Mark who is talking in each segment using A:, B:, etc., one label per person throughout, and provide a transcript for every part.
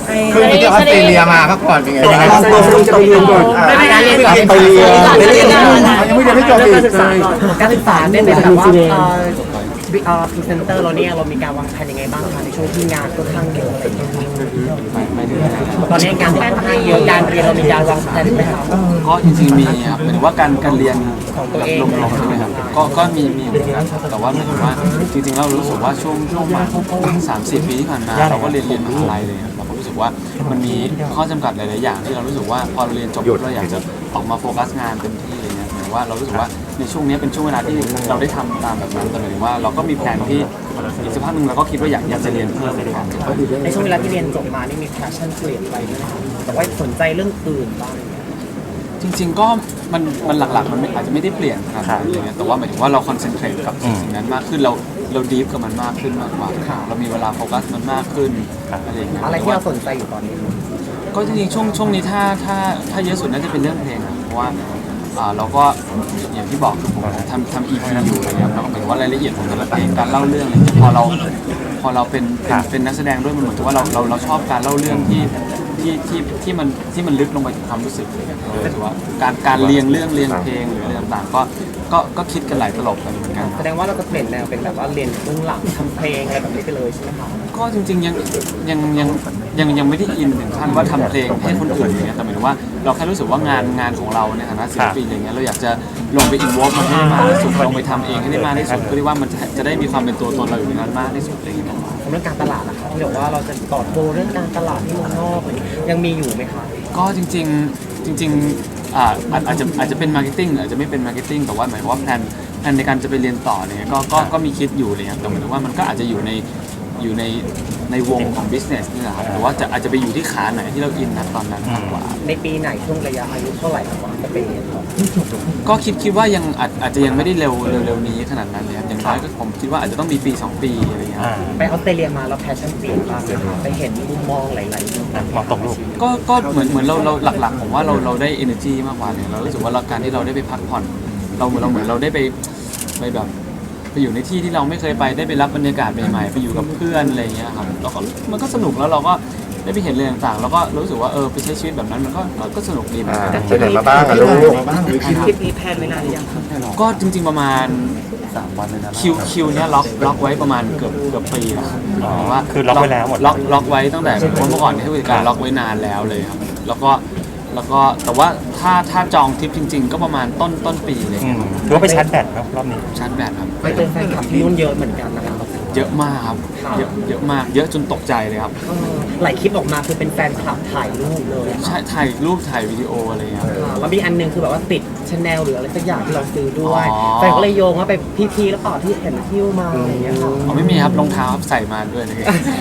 A: เพิ่งไปเที่ยวออสเตรเลียมาพักผ่อนเป็นไงบ้าง
B: ไปเรียนก่อน
C: ไม่ได้เรียนก่อน
B: ไปเรียน
A: ยังไม่ได้ไม่จบอีก
C: การศึกษาได้เป็นแบบว่าพรีเซนเตอร์เราเนี่ยเรามีการวางแผนยังไงบ้างคะในช่วงที่งานค่อนข้างเยอะอะไรอย่างเงี้ยตอนนี้งานค่อนข้างเยอะการเรียนเรามีการวางแผนไหมครับ
D: ก็จริงๆมีครับหมายถึงว่าการเรียนของตัวเองลงๆใช่ไหมครับก็มีเหมือนกันแต่ว่าหมายถึงว่าจริงๆเรารู้สึกว่าช่วงมา3-4 ปีที่ผ่านมาเราก็เรียนมหาลัยเลยครับเราก็รู้สึกว่ามันมีข้อจำกัดหลายๆอย่างที่เรารู้สึกว่าพอเราเรียนจบเราอยากจะออกมาโฟกัสงานเต็มที่อะไรเงี้ยหมายถึงว่าเรารู้สึกว่าในช่วงนี้เป็นช่วงเวลาที่เราได้ทำตามแบบนั้นแต่หมายถึงว่าเราก็มีแผนที่อีกสักพักหนึ่งเราก็คิดว่าอยากจะเรียนเพิ่มก่อน
C: ในช่วงเวลาที่เรียนจบมานี่มีแพชชั่นเปลี่ยนไปไหมครับแต่ว่าสนใจเรื่องอื่นบ้าง
D: จริงๆก็มันหลักๆมันอาจจะไม่ได้เปลี่ยนขนาดนั้นเลยแต่ว่าหมายถึงว่าเราคอนเซนเทรตกับสิ่งนั้นมากขึ้นเราดีฟกับมันมากขึ้นมากกว่าเรามีเวลาโฟกัสมันมากขึ้นอะไรอย่างเงี้ย
C: อะไรที่เราสนใจอยู่ตอนนี้
D: ก็จริงๆช่วงนี้ถ้าเยอะสุดน่าจะเป็นเรื่องเพลงอะเพราะว่าเราก็อย่างที่บอกคือผมทำ EP อยู่อะไรเงี้ยแล้วก็หมายถึงว่ารายละเอียดของแต่ละเพลงการเล่าเรื่องอะไรเงี้ยพอเราเป็นนักแสดงด้วยมันเหมือนกับว่าเราชอบการเล่าเรื่องที่มันลึกลงไปถึงความรู้สึกเลยถือว่าการเรียงเรื่องเรียงเพลงหรืออะไรต่างๆก็คิดกันหลายตลบกันเหมือนกัน
C: แสดงว่าเราจะเปลี่ยนแนวเป็นแบบว่าเรียนเบื้องหลังทำเพลงอะไรแบบนี้ไปเลยใช่ไหมครับ
D: ก็จริงๆยังไม่ได้อินถึงขั้นว่าทำเพลงให้คนอื่นอย่างเงี้ยแต่หมายถึงว่าเราแค่รู้สึกว่างานของเราในฐานะศิลปินอย่างเงี้ยเราอยากจะลงไปอินวอล์มันให้ได้มากที่สุดลงไปทำเองให้ได้มากที่สุดเพื่อที่ว่ามันจะได้มีความเป็นตัวตนเราอยู่ในนั้นมากที่สุดอะไรอย่างเงี้ย
C: เรื่องการตลาดนะครับที่บอกว่าเราจะต่อโตเรื่องการตลาดที่เมืองนอกยังมีอยู่ไหมครับ
D: ก็จริงอาจจะเป็นมาร์เก็ตติ้งอาจจะไม่เป็นมาร์เก็ตติ้งแต่ว่าหมายความว่าแพลนในการจะไปเรียนต่อเนี่ยก็มีคิดอยู่เลยครับแต่หมายถึงว่ามันก็อาจจะอยู่ในวงของ business นี่แหละครับหรือว่าอาจจะไปอยู่ที่ขาไหนที่เราอินนะตอนนั้นมากกว่า
C: ในปีไหนช่วงระยะอายุเท่าไหร่ครับจะไปเรียนต่อ
D: ก็คิดว่ายังอาจจะยังไม่ได้เร็วนี้ขนาดนั้นเลยครับอย่างน้อยก็ผมคิดว่าอาจจะต้องมีปี2 ปีอะไรอย่างเงี้ย
C: ไปออสเตรเลียมาแล้วแพชชั่นเปลี่ยนบ้างไปเห็นมุมมองหลายๆมุม
B: มองตรงลูก
D: ก็เหมือนเราหลักๆผมว่าเราได้ energy มากกว่าเนี่ยเรารู้สึกว่าการที่เราได้ไปพักผ่อนเราเหมือนเราได้ไปแบบไปอยู่ในที่ที่เราไม่เคยไปได้ไปรับบรรยากาศใหม่ๆไปอยู่กับเพื่อนอะไรอย่างเงี้ยครับแล้วก็มันก็สนุกแล้วเราก็ได้ไปเห็นอะไรต่างๆแล้วก็รู้สึกว่าไปใช้ชีวิตแบบนั้นมันก็สนุกดีเหมือนกัน
A: ไปไหนมาบ้างอะลูก
C: คลิปนี้แพลนไว้นานหรือยังครับ
D: ก็จริงๆประมาณ3 วันเลยนะคิวเนี้ยล็อกไว้ประมาณเกือบปีแล้วว่า
B: คือล็อกไว้แล้วหมด
D: ล็อกไว้ตั้งแต่เมื่อก่อนที่ผู้จัดการล็อกไว้นานแล้วเลยครับแล้วก็แต่ว่าถ้าจองทริปจริงๆ ก็ประมาณต้นปีเลย
B: ถือว่าไปชาร์จแบตครับรอบนี้
D: ชาร์จแบตครับ
C: ไปเจอแฟนคลับที่นู่นเยอะเหมือนกันนะครับ
D: เยอะมากครับเยอะมากเยอะจนตกใจเลยครับ
C: หลายคลิปออกมาคือเป็นแฟนคลับถ่ายรูปเลย
D: ใช่ถ่ายรูปถ่ายวิดีโออะไรอย่างเงี้ยครับ
C: แล้วมีอันนึงคือแบบว่าติดชาแนลหรืออะไรสักอย่างที่เราซื้อด้วย
D: อ๋อ
C: แฟนก็เลยโยงว่าไปพีแล้วต่อที่เห็นหิ้วมาอะไรอย่างเงี้ยครับ
D: อ๋อไม่มีครับรองเท้าครับใส่มาด้วยเลย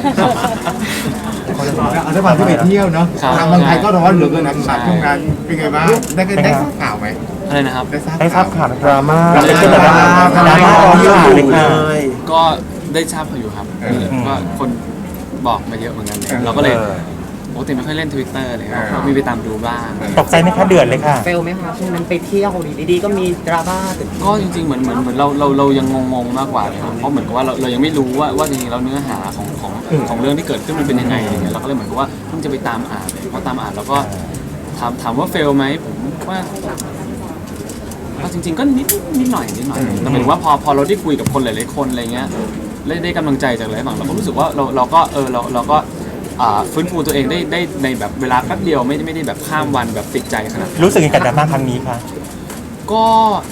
A: เอาถ้าวันที่ไปเที่ยวเนาะ
D: ครับ
A: ทางเมืองไทยก็ร้อนเหลือเกินนะช่วงนั้นเป็นไงบ้างได้ทราบข่าวไหม
D: อะไรนะครับ
B: ได้ทราบข่าวดราม่า
A: ดราม่า
B: เป็นดราม่าออนข่าวเลยค่ะ
D: ก็ได้ทราบอยู่ครับก็คนบอกมาเยอะเหมือนกันเลยเราก็เลยปกติไม่ค่อยเล่น Twitter เลยครับก็มีไปตามดูบ้าง
B: ตกใจไหมคะเดือดเลยค่ะ
C: เฟลไหมคะช่วงนั้นไปเที่ยวดีๆก็มีดราม่าเกิดขึ้น
D: ก็จริงๆเหมือนเรายังงงๆมากกว่าเลยครับเพราะเหมือนกับว่าเรายังไม่รู้ว่าจริงๆแล้วเนื้อหาของเรื่องที่เกิดขึ้นมันเป็นยังไงอะไรเงี้ยเราก็เลยเหมือนกับว่าเพิ่งจะไปตามอ่านเลยพอตามอ่านแล้วก็ถามว่าเฟลไหมผมว่าจริงๆก็นิดหน่อยแต่หมายถึงว่าพอเราได้คุยกับคนหลายๆคนอะไรเงี้ยได้กำลังใจจากหลายฝั่งเราก็รู้สึกว่าเราก็ฟื้นฟูตัวเองได้ในแบบเวลาแป๊บเดียวไม่ได้แบบข้ามวันแบบติดใจขนาดนั้น
B: รู้สึกยังไงกับดราม่าครั้งนี้คะ
D: ก็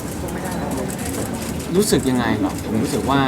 D: รู้สึกยังไงหรอผมรู้สึกว่า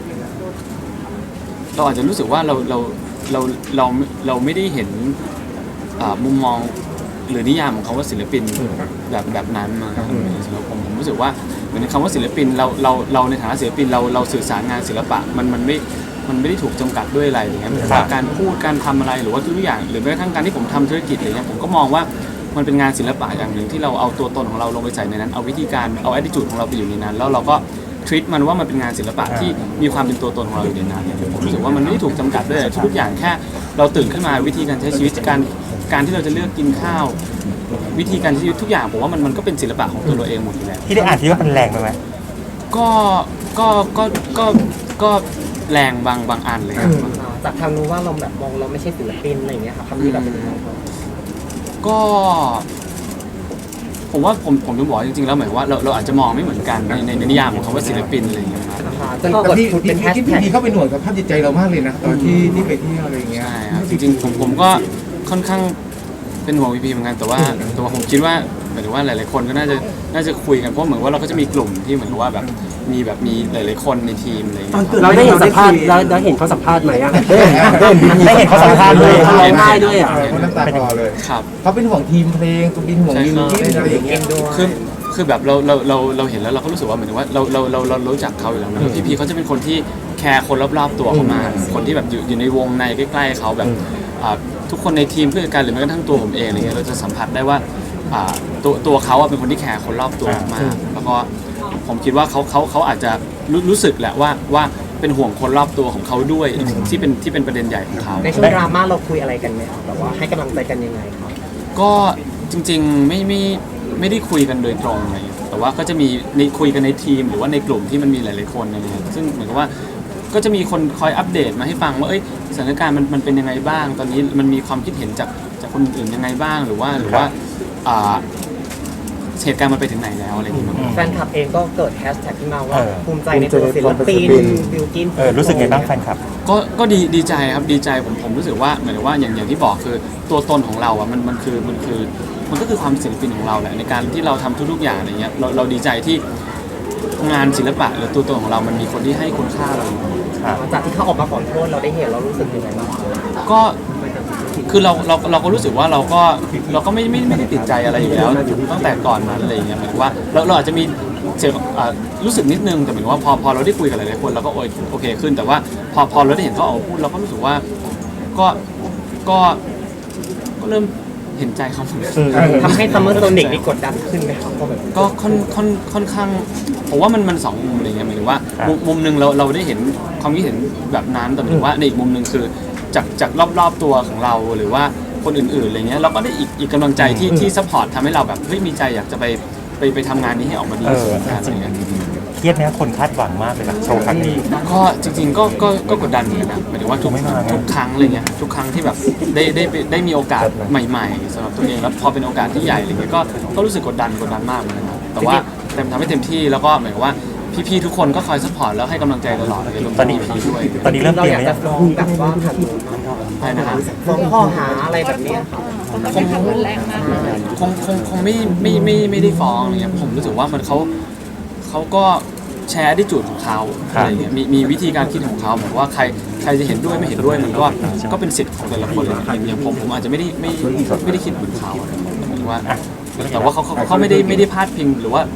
D: เราอาจจะรู้สึกว่าเราไม่ได้เห็นมุมมองหรือนิยามของคำว่าศิลปินแบบนั้นมาสำหรับผมรู้สึกว่าเหมือนคำว่าศิลปินเราในฐานะศิลปินเราสื่อสารงานศิลปะมันไม่ได้ถูกจำกัดด้วยอะไรอย่างเงี้ยเหมือนว่าการพูดการทำอะไรหรือว่าทุกอย่างหรือแม้กระทั่งการที่ผมทำธุรกิจอะไรเงี้ยผมก็มองว่ามันเป็นงานศิลปะอย่างหนึ่งที่เราเอาตัวตนของเราลงไปใส่ในนั้นเอาวิธีการเอา attitude ของเราไปอยู่ในนั้นแล้วเราก็treat มันว่ามันเป็นงานศิลปะที่มีความเป็นตัวตนของเราอยู่ในนั้นผมรู้สึกว่ามันไม่ได้ถูกจำกัดด้วยทุกอย่างแค่เราตื่นขึ้นมาวิธีการใช้ชีวิตการที่เราจะเลือกกินข้าววิธีการใช้ชีวิตทุกอย่างผมว่ามันก็เป็นศิลปะของตัวเราเองหมดอยู่แล้ว
B: ที่ได้อ่านที่ว่ามันแรงไปไหม
D: ก็แรงบางอันเลยครับ
C: จากทางนู้นว่าเราแบบมองเราไม่ใช่ศิลปินอะไรอย่างเงี้ยค่ะคำนี้แบบเป็นยังไงครับ
D: ก็ผมว่าผมจะบอกจริงๆแล้วหมายว่าเราอาจจะมองไม่เหมือนกันในนิยามของคำว่าศิลปินอะไรอย่างเงี้ยครับ
C: จน
A: แต่
C: กด
A: พี่
C: ชุดเป็นแฮช
A: พี่
C: แท็ก
A: เข้าไปหน่วยกับภาพจิตใจเรามากเลยนะตอนที่ไปเที่ยวอะไรอย่างเงี้ย
D: ใช่ครับจริงๆผมก็ค่อนข้างเป็นห่วงพีเหมือนกันแต่ว่าผมคิดว่าหมายถึงว่าหลายๆคนก็น่าจะคุยกันเพราะเหมือนว่าเราก็จะมีกลุ่มที่เหมือนกับว่าแบบมีหลายๆคนในทีมอะไรอย่างเงี้ย
E: เราได้เห็นสัมภาษณ์เราเห็นเขาสัมภาษณ์ไหมอ่ะ
B: ได้เห็นเขาสัมภาษณ์ด้วย
E: เขาร้องไห้ด้วยอ่ะ
A: คนน้ำตาคลอเลย
D: ครับ
A: เขาเป็นห่วงทีมเพลงตัวเป็นห่วงมิวสิกอะไรอย่างเงี้ย
D: คือแบบเราเห็นแล้วเราก็รู้สึกว่าเหมือนว่าเรารู้จักเขาอยู่แล้วนะพี่เขาจะเป็นคนที่แคร์คนรอบๆตัวเขามากคนที่แบบอยู่ในวงในใกล้ๆเขาแบบทุกคนในทีมเพื่อนกันหรือแม้กระทั่งตัวผมเองอะไรเงี้ยเราจะสัมผัสได้ว่าตัวเขาเป็นคนที่แคร์คนรอบตัวมากแล้วก็ผมคิดว่าเขาอาจจะรู้สึกแหละว่าเป็นห่วงคนรอบตัวของเขาด้วยที่เป็นประเด็นใหญ่ของเขา
C: ในช่วงดราม่าเราคุยอะไรกันไหมครับแบบว่าให้กำลังใจกันยังไงครับ
D: ก็จริงๆไม่ได้คุยกันโดยตรงอะไรอย่างเงี้ยแต่ว่าก็จะมีคุยกันในทีมหรือว่าในกลุ่มที่มันมีหลายๆคนอะไรเงี้ยซึ่งเหมือนกับว่าก็จะมีคนคอยอัปเดตมาให้ฟังว่าสถานการณ์มันเป็นยังไงบ้าง ตอนนี้มันมีความคิดเห็นจากคนอื่นยังไงบ้างหรือว่าเหตุการณ์มันไปถึงไหนแล้วอะไรอย่างเงี้ย
C: แฟนคลับเองก็เกิดแฮชแท็กขึ้นมาว่าภูมิใจในตัวศิลปินบิลกิน
B: รู้สึกไงบ้างแฟนคลับ
D: ก็ดีใจครับดีใจผมรู้สึกว่าเหมือนว่าอย่างที่บอกคือตัวตนของเราอ่ะมันก็คือความศิลปินของเราแหละในการที่เราทำทุกๆอย่างอะไรเงี้ยเราดีใจที่งานศิลปะหรือตัวตนของเรามันมีคนที่ให้คุณค่าเรา
C: จากที่เขาออกมาขอโทษเราได้เห็นเรารู้สึกยังไงบ้าง
D: ก็คือเราก็รู้สึกว่าเราก็ไม่ได้ติดใจอะไรอยู่แล้วตั้งแต่ก่อนนั้นอะไรอย่างเงี้ยหมายถึงว่าเราอาจจะมีเสียรู้สึกนิดนึงแต่หมายถึงว่าพอเราได้คุยกับหลายๆคนเราก็โอเคขึ้นแต่ว่าพอเราได้เห็นเขาออกมาพูดเราก็รู้สึกว่าก็เริ่มเห็นใจเขาเหมือนกัน
C: ทำให้ซัมเมอร์โซนิกนี่กดดันขึ้นไหมครับก็แบบ
D: ก็ค่อนข้างผมว่ามันสองมุมอะไรเงี้ยหมายถึงว่ามุมหนึ่งเราได้เห็นความคิดเห็นแบบนั้นแต่หมายถึงว่าในอีกมุมหนึ่งคือจากรอบๆตัวของเราหรือว่าคนอื่นๆอะไรเงี้ยเราก็ได้อีกกำลังใจที่ซัพพอร์ตทำให้เราแบบมีใจอยากจะไปทำงานนี้ให้ออกมาดีสุดกันอะไรเงี้ย
B: เครียดไหมคนคาดหวังมากเลยกับโชว์ครั้งนี้
D: ก็จริงๆก็กดดันเหมือนกันนะหมายถึงว่าทุกครั้งอะไรเงี้ยทุกครั้งที่แบบได้มีโอกาสใหม่ๆสำหรับตัวเองแล้วพอเป็นโอกาสที่ใหญ่อะไรเงี้ยก็รู้สึกกดดันมากเหมือนกันนะแต่ว่าทำให้เต็มที่แล้วก็หมายถึงว่าพี่ๆทุกคนก็คอยซัพพอร์ตแล้วให้กำลังใจตลอดเลยรวม
B: ตอนนี้
D: พี่ด้วย
B: ตอนนี้เริ่ม
C: เรา
B: เปลี่ย
C: อน ยาก
B: ไหม
C: จะฟ้องแบบว่าทาง
D: ใช่นะครับ
C: ฟ้องข้อหาอะไรแบบนี้
D: คงไม่ได้ฟ้องอะไรเงี้ยผมรู้สึกว่ามันเขาก็แชร์ดิจูดของเขาอะไรเงี้ยมีวิธีการคิดของเขาเหมือนว่าใครจะเห็นด้วยไม่เห็นด้วยมันก็เป็นสิทธิ์ของแต่ละคนเลยอย่างผมอาจจะไม่ได้คิดเหมือนเขาหมายถึงว่าแต่ว่าเขาไม่ได้พาดพิงหรือว่า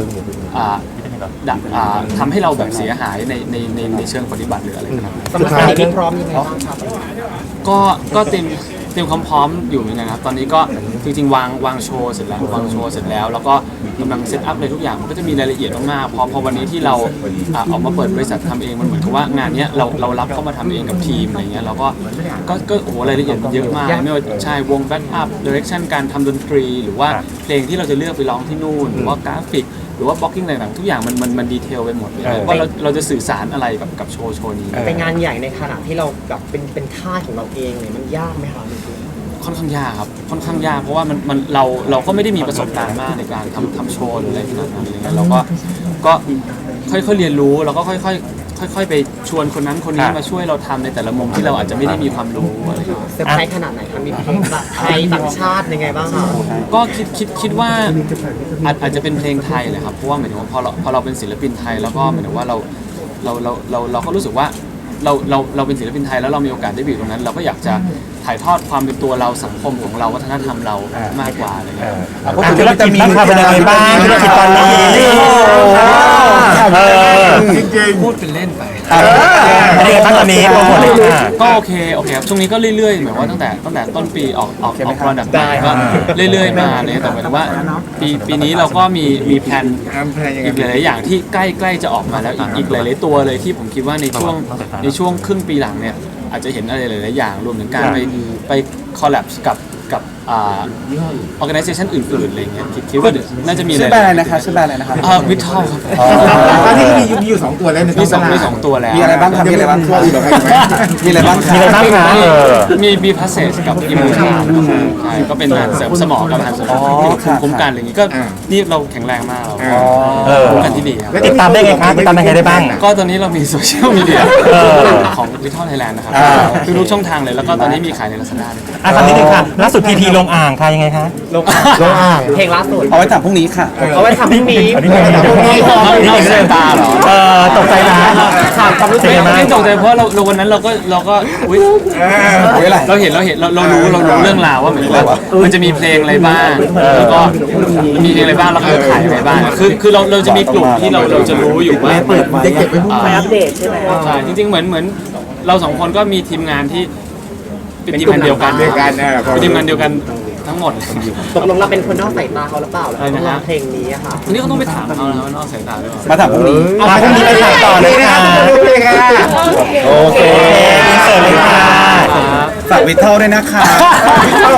D: ทำให้เราแบบเสียหายในเชิงปฏิบัติหรืออะไรนะครับ
C: สำหรับการที่พร้อมยังไงบ้างครับ
D: ก็เตรียมความพร้อมอยู่เหมือนกันครับตอนนี้ก็จริงๆวางโชว์เสร็จแล้วแล้วก็กำลังเซตอัพอะไรทุกอย่างมันก็จะมีรายละเอียดมากๆพอวันนี้ที่เราออกมาเปิดบริษัททำเองมันเหมือนกับว่างานเนี้ยเรารับเข้ามาทำเองกับทีมอะไรเงี้ยเราก็โอ้โหรายละเอียดมันเยอะมากไม่ว่าใช่วงแบ็กอัพดิเรกชันการทำดนตรีหรือว่าเพลงที่เราจะเลือกไปร้องที่นู่นหรือว่ากราฟิกหรือว่าบล็อกกิ้งต่างๆทุกอย่างมันดีเทลไปหมดเลยว่าเราจะสื่อสารอะไรกับโชว์นี้
C: เป็นงานใหญ่ในขณะที่เราแบบเป็นค่ายของเราเองเนี่ยมันยากไหมครับ
D: ค่อนข้างยากครับค่อนข้างยากเพราะว่าเราก็ไม่ได้มีประสบการณ์มากในการทำโชว์หรืออะไรขนาดนั้นอะไรเงี้ยเราก็ค่อยๆเรียนรู้แล้วก็ค่อยๆไปชวนคนนั้นคนนี้มาช่วยเราทำในแต่ละมุมที่เราอาจจะไม่ได้มีความรู้อะไรอย่างเงี้ย
C: เซอร์ไพรส์ขนาดไหนครับมีเพลงแบบไทยต่างชาติยังไงบ้างครับ
D: ก็คิดว่าอาจจะเป็นเพลงไทยเลยครับเพราะว่าหมายถึงว่าพอเราเป็นศิลปินไทยแล้วก็หมายถึงว่าเราก็รู้สึกว่าเราเป็นศิลปินไทยแล้วเรามีโอกาสได้ไปอยู่ตรงนั้น เราก็อยากจะถ่ายทอดความเป็นตัวเราสังคมของเราวัฒนธรรมเรามากกว่าอะไรเงี้ย
B: ธุรกิจบ้างค่ะเป็นยังไงบ้างธุรกิจตอนนี้
A: จริง
D: พูดเป็นเล่นไป
B: เป็นยังไงบ้างตอนนี้โปรโมทเลยค่ะ
D: ก็โอเคครับช่วงนี้ก็เรื่อยๆเหมือนว่าตั้งแต่ต้นปีออกโปรดักต์ได้ก็เรื่อยๆมาเลยแต่หมายถึงว่าปีนี้เราก็มีแผน
A: ๆทำเพลงยังไง
D: อีกหลายๆอย่างที่ใกล้จะออกมาแล้วอีกหลายๆตัวเลยที่ผมคิดว่าในช่วงครึ่งปีหลังเนี่ยอาจจะเห็นอะไรหลายๆอย่างรวมถึงการไปคอลแลบกับ organization อื่นๆอะไรเงี้ยคิดว่าน่าจะมี
F: ชื่อแบรนด์อะไรนะคะชื่อแบรนด์อะไรนะครับ
D: วิทเทลครับ
A: ตอนนี้มีอยู่2ตัวแล้วใน
D: มีสองตัวแล้ว
F: มีอะไรบ้างครับมีอะไรบ้างครับมีอะไรบ้างค
B: มี
F: รั
B: อะไร
F: บ
B: บ้างคะ
D: มีพาสเซจกับอิมมูนใช่ก็เป็นการเสริมสมองกับการเสริมคุ้มกันอะไรอย่างงี้ก็นี่เราแข็งแรงมากเราคุ้มกันที่ดีครับ
B: ติดตามได้ไงคะติดตามได้ไงได้บ้าง
D: ก็ตอนนี้เรามีโซเชียลมีเดียของวิทเทลไทยแลนด์นะครับทุกช่องทางเลยแล้วก็ตอนนี้มีขายใน Lazada ด้วย
B: ถามนิดนึงค่ะล่าสุดพีลงอ่างค่ะยังไงคะลงอ่าง
C: เพลงล่าสุด
F: เอาไว้ถามพรุ่งนี้ค่ะ
C: เอาไว้ทำพรุ่งนี้
B: อันนี้ไง
D: นอกสายตาเหรอ
B: ตกใจนะ
C: ถามความรู้สึก
D: ไม่ตกใจเพราะเราวันนั้นเราก็อุ๊ยเราเห็นเรารู้เรื่องราวว่าเหมือนว่ามันจะมีเพลงอะไรบ้างแล้วก็มีเพลงอะไรบ้างแล้วก็ขายอะไรบ้างคือเราจะมีกลุ่มที่เราจะรู้อยู่ว่า
A: จะเก็บไว้พวก
C: ไปอัปเดตใช่ไหม
D: ใช่จริงๆเหมือนเราสองคนก็มีทีมงานที่เป็นทีมงานเดียวกัน
A: เดียวกัน
D: เป็นทีมงานเดียวกันทั้งหมด
C: ตกลงเราเป็นคนนอกสายตาเขาหรือเปล่าแล้ว
D: อะไรนะฮะ
C: เพลงนี้อะค่ะ
D: ทีนี้ก็ต้องไปถามเขาแล้วว่านอกสายตาหรือเปล่า
F: มาถามพรุ่งนี้
B: พรุ่งนี้ไปถามต่อเลยค่ะ โอเคอินเสิร์ตเลยค่ะ
F: ฝากวิทเทลด้วยนะคะ